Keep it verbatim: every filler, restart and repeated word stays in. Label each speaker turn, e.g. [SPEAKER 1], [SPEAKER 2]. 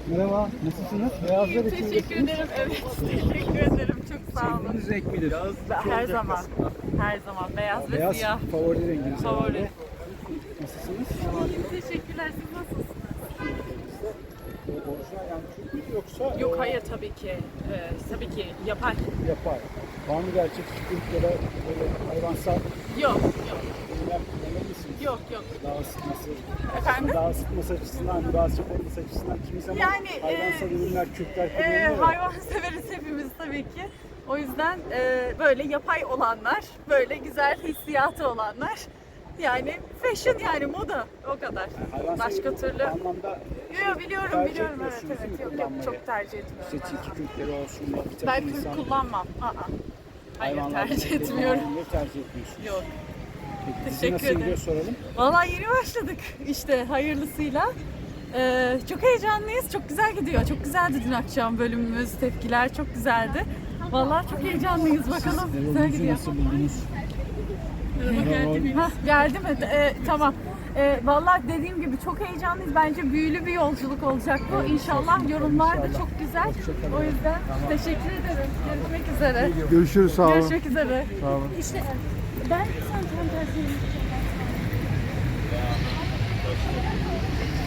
[SPEAKER 1] Merhaba, nasılsınız? Beyazlar için
[SPEAKER 2] Teşekkür ederim. Evet, teşekkür ederim. Çok sağ olun.
[SPEAKER 1] sevdiğiniz renk midir?
[SPEAKER 2] Her zaman, her zaman beyaz ve
[SPEAKER 1] Beyaz
[SPEAKER 2] siyah.
[SPEAKER 1] favori renginiz.
[SPEAKER 2] Favori.
[SPEAKER 1] herhalde. Nasılsınız?
[SPEAKER 2] İyiyim, teşekkürler. Siz nasılsınız?
[SPEAKER 1] O orijinal yani Türk müdür yoksa
[SPEAKER 2] Yok,
[SPEAKER 1] e,
[SPEAKER 2] hayır tabii ki. Ee, tabii ki yapay.
[SPEAKER 1] yapay? Var mı gerçek Türk ya da böyle hayvansal
[SPEAKER 2] Yok, yok,
[SPEAKER 1] ürünler kullanır mısınız?
[SPEAKER 2] yok, yok.
[SPEAKER 1] Daha ısıtması,
[SPEAKER 2] Efendim?
[SPEAKER 1] daha ısıtması açısından, daha sıcak olması açısından kimi zaman
[SPEAKER 2] Yani,
[SPEAKER 1] hayvansal
[SPEAKER 2] e,
[SPEAKER 1] ürünler, Kürtler
[SPEAKER 2] Ee,
[SPEAKER 1] kullanıyor ya.
[SPEAKER 2] hayvan severiz hepimiz tabii ki. O yüzden e, böyle yapay olanlar, böyle güzel hissiyatı olanlar. Yani fashion yani moda o kadar.
[SPEAKER 1] Hayvansal
[SPEAKER 2] Başka
[SPEAKER 1] ürün
[SPEAKER 2] türlü.
[SPEAKER 1] anlamda
[SPEAKER 2] Yok yok biliyorum
[SPEAKER 1] tercih
[SPEAKER 2] biliyorum evet
[SPEAKER 1] etmiyorsunuz değil
[SPEAKER 2] evet
[SPEAKER 1] mi
[SPEAKER 2] yok yok
[SPEAKER 1] kullanmayı?
[SPEAKER 2] çok tercih etmiyorum.
[SPEAKER 1] İşte tilki kürkleri olsun da bir takım
[SPEAKER 2] Ben kürk
[SPEAKER 1] insan
[SPEAKER 2] kullanmam. Aa. Hayır
[SPEAKER 1] hayvanlar
[SPEAKER 2] tercih
[SPEAKER 1] kürkleri
[SPEAKER 2] etmiyorum.
[SPEAKER 1] kullanmayı tercih etmiyorsunuz.
[SPEAKER 2] Yok.
[SPEAKER 1] Peki, dizi
[SPEAKER 2] Teşekkür
[SPEAKER 1] nasıl gidiyor
[SPEAKER 2] ederim.
[SPEAKER 1] soralım.
[SPEAKER 2] Vallahi yeni başladık işte hayırlısıyla. Ee, çok heyecanlıyız. Çok güzel gidiyor. Çok güzeldi dün akşam bölümümüz. Tepkiler çok güzeldi. Vallahi çok heyecanlıyız. Bakalım. Güzel
[SPEAKER 1] Rolünüzü
[SPEAKER 2] gidiyor.
[SPEAKER 1] nasıl buldunuz?
[SPEAKER 2] Geldi mi? Hah, geldi mi? Ee, tamam. Ee, vallahi dediğim gibi çok heyecanlıyız. Bence büyülü bir yolculuk olacak bu. İnşallah yorumlar da çok güzel. O yüzden teşekkür ederim. Görüşmek üzere.
[SPEAKER 3] Görüşürüz, sağ olun.
[SPEAKER 2] Görüşmek üzere.
[SPEAKER 3] Sağ olun.
[SPEAKER 2] İşte ben sen tam tersini